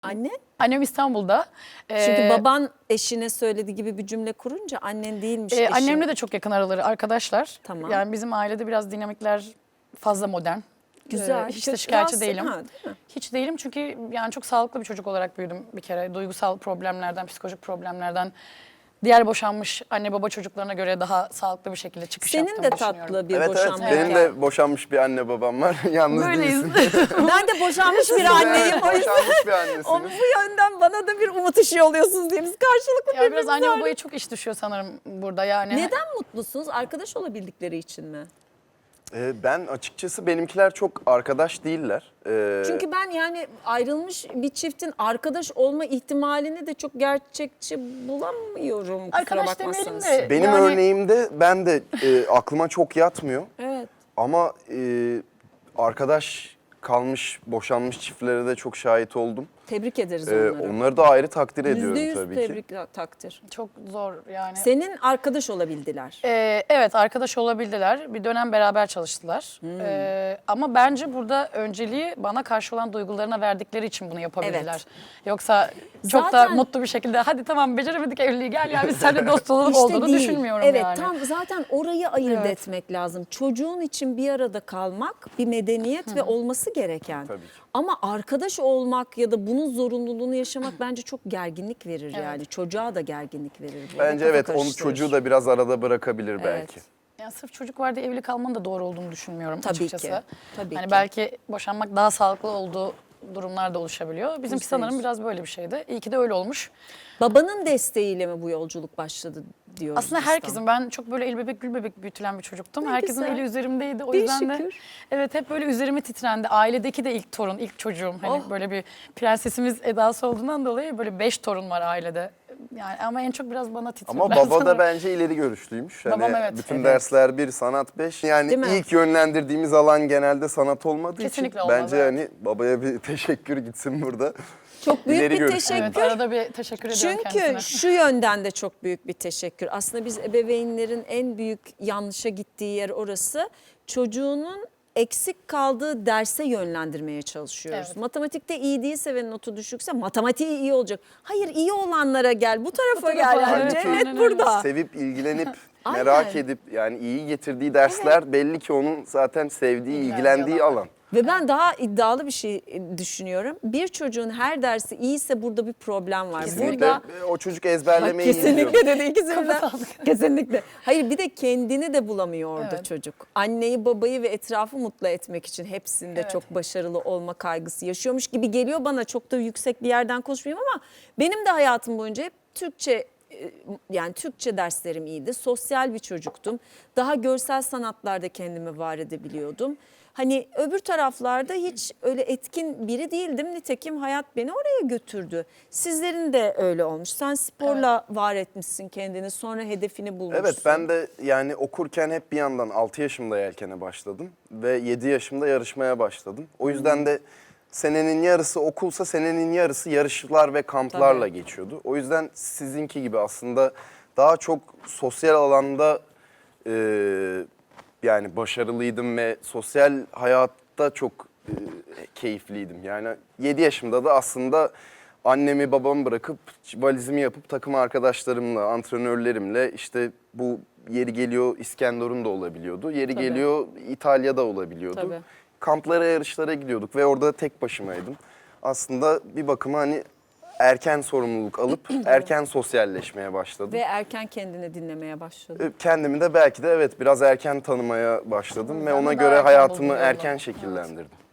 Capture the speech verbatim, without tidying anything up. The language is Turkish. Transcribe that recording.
Anne? Annem İstanbul'da. Çünkü Ee, baban eşine söylediği gibi bir cümle kurunca annen değilmiş e, eşin. Annemle de çok yakın araları arkadaşlar. Tamam. Yani bizim ailede biraz dinamikler fazla modern. Güzel. Ee, hiç de Çok şikayetçi rahatsız- değilim. Ha, değil mi? Hiç değilim çünkü yani çok sağlıklı bir çocuk olarak büyüdüm bir kere. Duygusal problemlerden, psikolojik problemlerden, diğer boşanmış anne baba çocuklarına göre daha sağlıklı bir şekilde çıkış Senin yaptığımı de düşünüyorum. tatlı bir Evet boşanma evet benim hikayen. de boşanmış bir anne babam var. Yalnız Böyleyiz. değilsin. Ben de boşanmış bir anneyim o yüzden. Boşanmış bir O, annesiniz. bu yönden bana da bir umut ışığı oluyorsunuz diye biz karşılıklı Ya biraz birbirimize anne öyle- babaya çok iş düşüyor sanırım burada yani. Neden mutlusunuz? Arkadaş olabildikleri için mi? Ee, ben açıkçası benimkiler çok arkadaş değiller. Ee, Çünkü ben yani ayrılmış bir çiftin arkadaş olma ihtimalini de çok gerçekçi bulamıyorum. Kusura Arkadaş demeyelim bakmazsanız. de benim yani, örneğimde ben de e, aklıma çok yatmıyor. Evet. Ama e, arkadaş kalmış, boşanmış çiftlere de çok şahit oldum. Tebrik ederiz Ee, onları. onları da ayrı takdir Yüzde ediyorum yüz tabii ki. tebrik takdir. çok zor yani. Senin arkadaş olabildiler. Ee, evet arkadaş olabildiler. Bir dönem beraber çalıştılar. Hmm. Ee, ama bence burada önceliği bana karşı olan duygularına verdikleri için bunu yapabildiler. Evet. Yoksa çok Zaten- da mutlu bir şekilde hadi tamam beceremedik evliliği gel ya biz seninle dost olalım İşte olduğunu değil. düşünmüyorum evet, yani. tam zaten orayı ayırt Evet. etmek lazım. Çocuğun için bir arada kalmak bir medeniyet ve olması gereken. Tabii ki. Ama arkadaş olmak ya da bunun zorunluluğunu yaşamak bence çok gerginlik verir Evet. yani. Çocuğa da gerginlik verir. bu. Bence Kafa evet onu karıştırır. çocuğu da biraz arada bırakabilir belki. Yani sırf çocuk var diye evli kalmanın da doğru olduğunu düşünmüyorum Tabii açıkçası. ki, tabii hani ki. belki boşanmak daha sağlıklı olduğu durumlar da oluşabiliyor. Bizimki Yüzde sanırım yüz. biraz böyle bir şeydi. İyi ki de öyle olmuş. Babanın desteğiyle mi bu yolculuk başladı diyoruz Aslında biz tam. herkesin, ben çok böyle el bebek gül bebek büyütülen bir çocuktum. Ne Herkesin güzel. eli üzerimdeydi. O Bir yüzden de şükür. evet hep böyle üzerime titrendi. Ailedeki de ilk torun, ilk çocuğum. Hani Oh. böyle bir prensesimiz edası olduğundan dolayı böyle beş torun var ailede. Yani ama en çok biraz bana titrediler. Ama baba da sanırım. bence ileri görüşlüymüş. Hani Babam evet. bütün Evet. dersler bir, sanat beş. Yani Değil mi? ilk yönlendirdiğimiz alan genelde sanat olmadığı Kesinlikle için olmaz, bence evet. hani babaya bir teşekkür gitsin burada. Çok büyük İleri bir görüşlü. teşekkür. Evet, arada bir teşekkür ediyorum Çünkü kendisine. şu yönden de çok büyük bir teşekkür. Aslında biz ebeveynlerin en büyük yanlışa gittiği yer orası. Çocuğunun eksik kaldığı derse yönlendirmeye çalışıyoruz. Evet. Matematikte iyi değilse ve notu düşükse matematiği iyi olacak. Hayır, iyi olanlara gel, bu tarafa, tarafa, gel. Yani evet, cennet aynen öyle. burada. Sevip ilgilenip Aynen. merak edip yani iyi getirdiği dersler belli ki onun zaten sevdiği, İlgilendiği ilgilendiği alan. alan. Ve ben daha iddialı bir şey düşünüyorum. Bir çocuğun her dersi iyiyse burada bir problem var. Kesinlikle Burada o çocuk ezberlemeyi iyi kesinlikle biliyor. dedi ikisini de. Kesinlikle. Hayır, bir de kendini de bulamıyor orada Evet. çocuk. Anneyi, babayı ve etrafı mutlu etmek için hepsinde Evet. çok başarılı olma kaygısı yaşıyormuş gibi geliyor bana. Çok da yüksek bir yerden konuşmayayım ama benim de hayatım boyunca hep Türkçe, e, yani Türkçe derslerim iyiydi. Sosyal bir çocuktum. Daha görsel sanatlarda kendimi var edebiliyordum. Hani öbür taraflarda hiç öyle etkin biri değildim. Nitekim hayat beni oraya götürdü. Sizlerin de öyle olmuş. Sen sporla var etmişsin kendini, sonra hedefini bulmuşsun. Evet ben de yani okurken hep bir yandan altı yaşımda yelkene başladım ve yedi yaşımda yarışmaya başladım. O yüzden de senenin yarısı okulsa senenin yarısı yarışlar ve kamplarla Tabii. geçiyordu. O yüzden sizinki gibi aslında daha çok sosyal alanda e, yani başarılıydım ve sosyal hayatta çok e, keyifliydim. Yani yedi yaşımda da aslında annemi babamı bırakıp valizimi yapıp takım arkadaşlarımla, antrenörlerimle işte bu yeri geliyor İskenderun da olabiliyordu. Yeri Tabii. geliyor İtalya'da olabiliyordu. Tabii. Kamplara, yarışlara gidiyorduk ve orada tek başımaydım. Aslında bir bakıma hani erken sorumluluk alıp erken sosyalleşmeye başladım. Ve erken kendini dinlemeye başladın. Kendimi de belki de evet biraz erken tanımaya başladım ve Ben de ona daha göre erken hayatımı buldum yolunu. erken Evet. şekillendirdim.